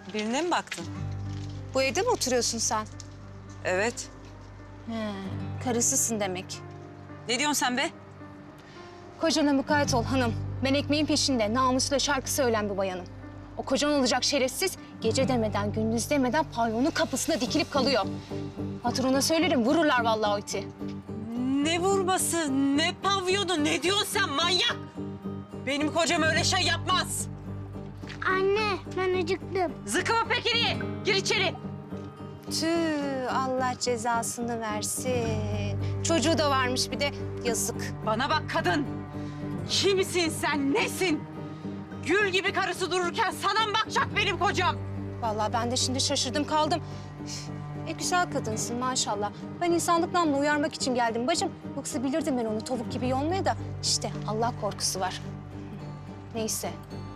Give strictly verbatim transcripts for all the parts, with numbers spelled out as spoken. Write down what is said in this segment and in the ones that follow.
Birine mi baktın? Bu evde mi oturuyorsun sen? Evet. He, karısısın demek. Ne diyorsun sen be? Kocana mukayyet ol hanım. Ben ekmeğin peşinde, namusla şarkı söyleyen bir bayanım. O kocan olacak şerefsiz, gece demeden, gündüz demeden pavyonun kapısına dikilip kalıyor. Patronuna söylerim, vururlar vallahi o iti. Ne vurması, ne pavyonu, ne diyorsun sen manyak? Benim kocam öyle şey yapmaz. Anne, ben acıktım. Zıkkımı pekini, gir içeri. Tüh, Allah cezasını versin. Çocuğu da varmış bir de, yazık. Bana bak kadın. Kimsin sen, nesin? Gül gibi karısı dururken sana mı bakacak benim kocam? Vallahi ben de şimdi şaşırdım kaldım. Üf, E güzel kadınsın maşallah. Ben insanlık namına uyarmak için geldim bacım. Yoksa bilirdim ben onu tavuk gibi yolmaya da. İşte Allah korkusu var. Neyse.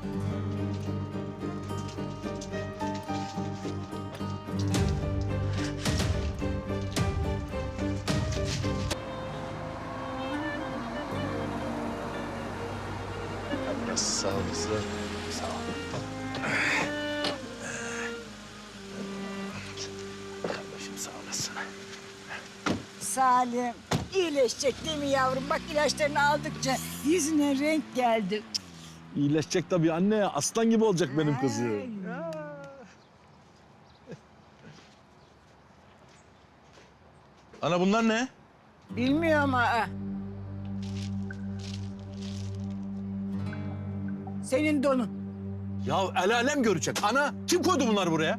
Sağ ol kızım. Sağ ol. Kardeşim sağ olasın. Salim, iyileşecek değil mi yavrum? Bak ilaçlarını aldıkça yüzüne renk geldi. İyileşecek tabii anne. Aslan gibi olacak benim kızım. Ana bunlar ne? Bilmiyorum ha. Senin donun. Ya el alem görecek. Ana kim koydu bunları buraya?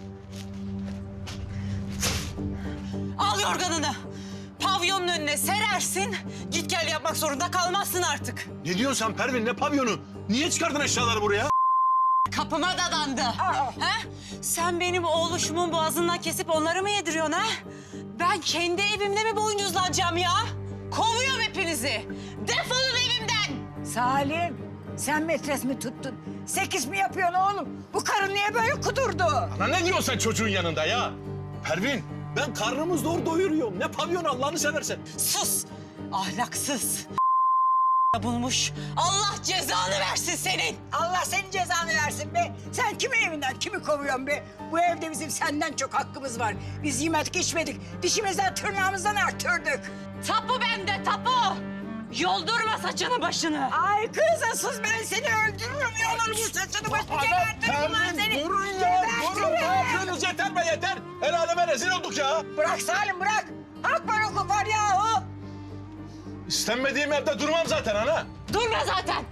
Al yorganını. Pavyonun önüne serersin. Git gel yapmak zorunda kalmazsın artık. Ne diyorsun sen Pervin? Ne pavyonu? Niye çıkardın eşyaları buraya? Kapıma dadandı. Ha? Sen benim oğluşumun boğazından kesip onları mı yediriyorsun ha? Ben kendi evimde mi boyuncuzlanacağım ya? Kovuyorum hepinizi. Defolun evimden. Salim, sen metres mi tuttun? Sekiz mi yapıyorsun oğlum? Bu karın niye böyle kudurdu? Ana ne diyorsun sen çocuğun yanında ya? Pervin ben karnımı zor doyuruyorum. Ne pavyonu Allah'ını seversen. Sus. Ahlaksız. Bulmuş. Allah cezanı versin senin. Allah senin cezanı versin be. Sen kimin evinden kimi kovuyorsun be? Bu evde bizim senden çok hakkımız var. Biz yemedik içmedik. Dişimizden tırnağımızdan arttırdık. Tapu bende tapu. Yoldurma saçını başını. Ay kız sus ben seni öldürürüm. Yollarım bu saçını başını gebertirim ben seni. Durun ya, durun. Ne yapıyorsunuz? Yeter be yeter. El aleme rezil olduk ya. Bırak Salim bırak. Hak var hukuk var yahu. İstenmediğim yerde durmam zaten ana. Durma zaten.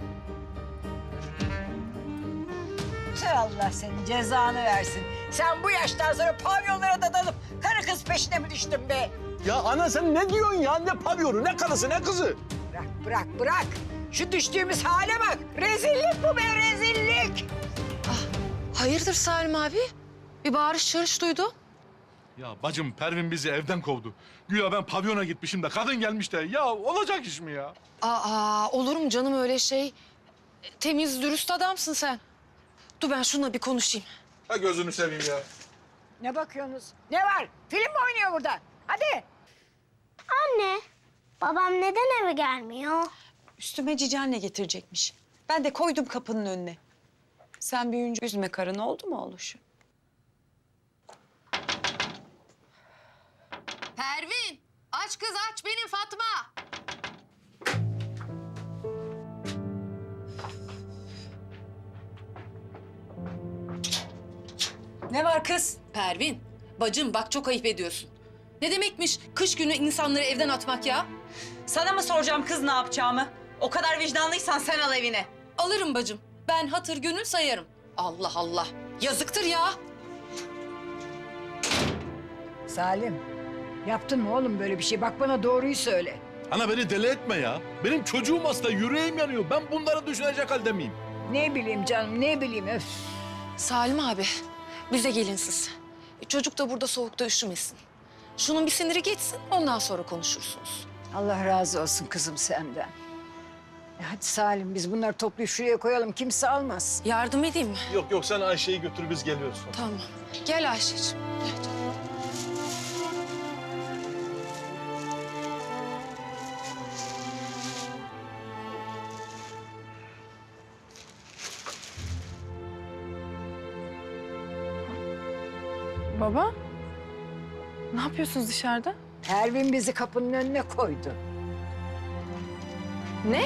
Tüh, Allah senin cezanı versin. Sen bu yaştan sonra pavyonlara dadanıp karı kız peşine mi düştün be? Ya ana sen ne diyorsun ya? Ne pavyonu, ne karısı, ne kızı? Bırak bırak bırak. Şu düştüğümüz hale bak. Rezillik bu be rezillik. Hayırdır Salim abi? Bir bağırış çağırış duydu. Ya bacım Pervin bizi evden kovdu. Güya ben pavyona gitmişim de kadın gelmiş de. Ya olacak iş mi ya? Aa, olur mu canım öyle şey? Temiz, dürüst adamsın sen. Dur ben şununla bir konuşayım. Ha gözünü seveyim ya. Ne bakıyorsunuz? Ne var? Film mi oynuyor burada? Hadi. Anne, babam neden eve gelmiyor? Üstüme cici anne getirecekmiş. Ben de koydum kapının önüne. Sen büyüyünce üzme karını oldu mu oğluşum? Pervin, aç kız aç benim Fatma. Ne var kız? Pervin, bacım bak çok ayıp ediyorsun. Ne demekmiş kış günü insanları evden atmak ya? Sana mı soracağım kız ne yapacağımı? O kadar vicdanlıysan sen al evine. Alırım bacım. Ben hatır gönül sayarım. Allah Allah. Yazıktır ya. Salim, yaptın mı oğlum böyle bir şey? Bak bana doğruyu söyle. Ana beni deli etme ya. Benim çocuğum hasta, yüreğim yanıyor. Ben bunları düşünecek halde miyim? Ne bileyim canım, ne bileyim öf. Salim abi, bize gelin siz. E, çocuk da burada soğukta üşümesin. Şunun bir siniri geçsin, ondan sonra konuşursunuz. Allah razı olsun kızım senden. E hadi Salim, biz bunları toplayıp şuraya koyalım. Kimse almaz. Yardım edeyim mi? Yok yok sen Ayşe'yi götür biz geliyoruz. Tamam. Gel Ayşe'cim. Gel canım. Baba, ne yapıyorsunuz dışarıda? Pervin bizi kapının önüne koydu. Ne?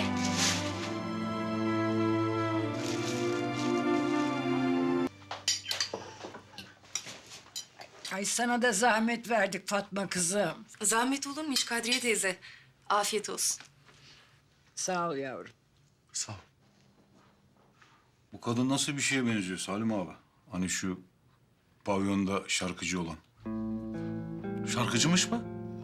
Ay sana da zahmet verdik Fatma kızım. Zahmet olur mu hiç Kadriye teyze? Afiyet olsun. Sağ ol yavrum. Sağ ol. Bu kadın nasıl bir şeye benziyor Salim abi? Hani şu pavyonda şarkıcı olan. Şarkıcımış mı?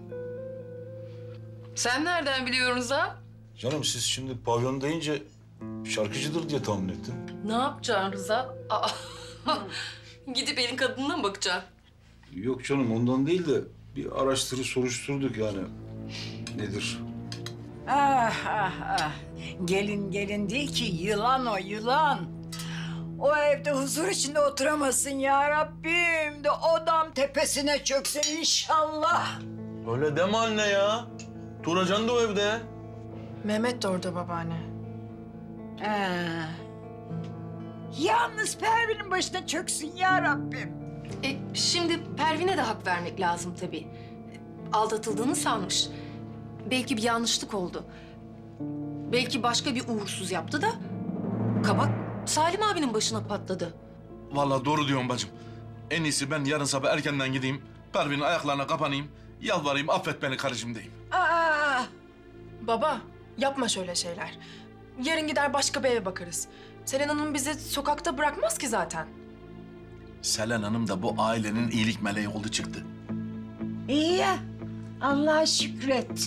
Sen nereden biliyorsun ha? Canım siz şimdi pavyon deyince şarkıcıdır diye tahmin ettim. Ne yapacaksın Rıza? Aa, gidip elin kadınına mı bakacaksın? Yok canım ondan değil de bir araştırı soruşturduk yani. Nedir? Ah ah ah. Gelin gelin değil ki yılan o yılan. O evde huzur içinde oturamasın ya Rabbim de odam tepesine çöksün inşallah. Öyle deme anne ya. Turacan da o evde. Mehmet de orada babaanne. Ha. Yalnız Pervin'in başına çöksün ya Rabbim. E, şimdi Pervin'e de hak vermek lazım tabii. Aldatıldığını sanmış. Belki bir yanlışlık oldu. Belki başka bir uğursuz yaptı da... kabak Salim abinin başına patladı. Vallahi doğru diyorsun bacım. En iyisi ben yarın sabah erkenden gideyim. Pervin'in ayaklarına kapanayım. Yalvarayım affet beni karıcığım diyeyim. Aa, Baba, yapma şöyle şeyler. Yarın gider başka bir eve bakarız. Selen Hanım bizi sokakta bırakmaz ki zaten. Selen Hanım da bu ailenin iyilik meleği oldu çıktı. iyi ya. Allah'a şükret.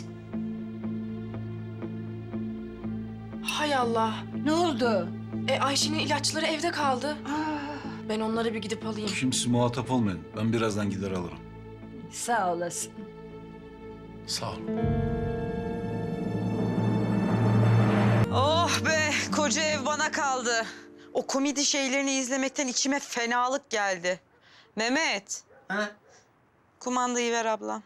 Hay Allah. Ne oldu? E Ayşe'nin ilaçları evde kaldı. Aa, Ben onları bir gidip alayım. Şimdi siz muhatap olmayın. Ben birazdan gider alırım. sağ olasın. Sağ ol. Oh be, koca ev bana kaldı. O komedi şeylerini izlemekten içime fenalık geldi. Mehmet. Ha? Kumandayı ver ablam.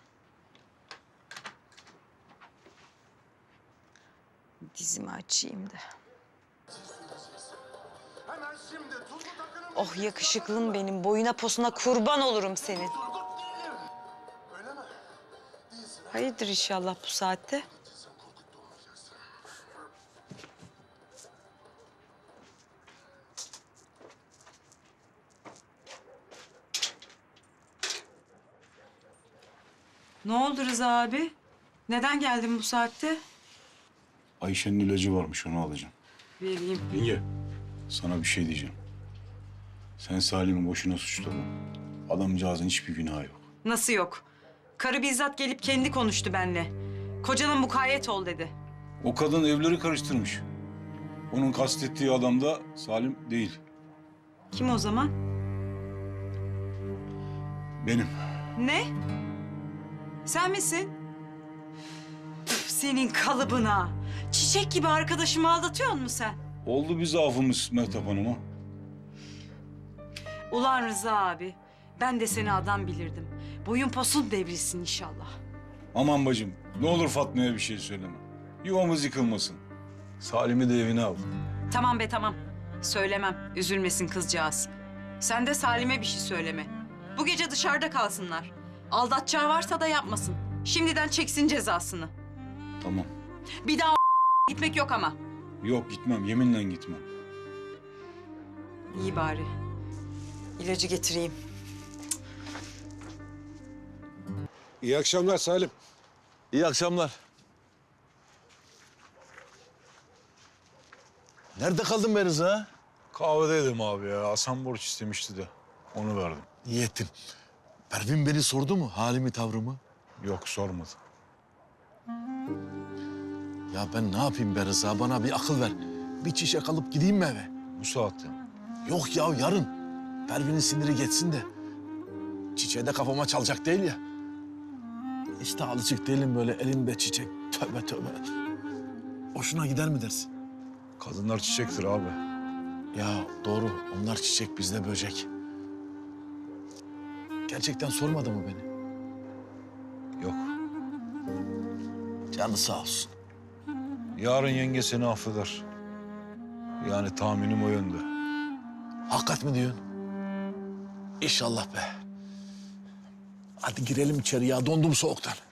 Dizimi açayım da. Oh yakışıklım benim. Boyuna posuna kurban olurum senin. Hayırdır inşallah bu saatte? Ne oldu Rıza abi? Neden geldin bu saatte? Ayşe'nin ilacı varmış onu alacağım. Vereyim. Yenge sana bir şey diyeceğim. Sen Salim'i boşuna suçlama. Adamcağızın hiçbir günahı yok. Nasıl yok? Karı bizzat gelip kendi konuştu benimle. Kocana mukayyet ol dedi. O kadın evleri karıştırmış. Onun kastettiği adam da Salim değil. Kim o zaman? Benim. Ne? Sen misin? Üf, senin kalıbına. Çiçek gibi arkadaşımı aldatıyor musun sen? Oldu bir zaafımız Mehtap Hanım'a. Ulan Rıza abi, ben de seni adam bilirdim. Boyun posun devrilsin inşallah. Aman bacım ne olur Fatma'ya bir şey söyleme. Yuvamız yıkılmasın. Salim'i de evine al. Tamam be tamam. Söylemem, üzülmesin kızcağız. Sen de Salim'e bir şey söyleme. Bu gece dışarıda kalsınlar. Aldatacağı varsa da yapmasın. Şimdiden çeksin cezasını. Tamam. Bir daha gitmek yok ama. Yok gitmem yeminle gitmem. İyi bari. İlacı getireyim. İyi akşamlar Salim. İyi akşamlar. Nerede kaldın be Rıza? Kahvedeydim abi ya. Hasan borç istemişti de onu verdim. İyi ettin. Pervin beni sordu mu halimi tavrımı? Yok sormadı. Ya ben ne yapayım be Rıza? Bana bir akıl ver. Bir çiçek alıp gideyim mi eve? Bu saatte. Yok ya yarın. Pervin'in siniri geçsin de. Çiçeği de kafama çalacak değil ya. İşte alışık değilim böyle elimde çiçek. Tövbe tövbe. Hoşuna gider mi dersin? Kadınlar çiçektir abi. Ya doğru. Onlar çiçek, bizde böcek. Gerçekten sormadı mı beni? Yok. Canı sağ olsun. Yarın yenge seni affeder. Yani tahminim o yönde. Hakikat mi diyorsun? İnşallah be. Hadi girelim içeri ya. Dondum soğuktan.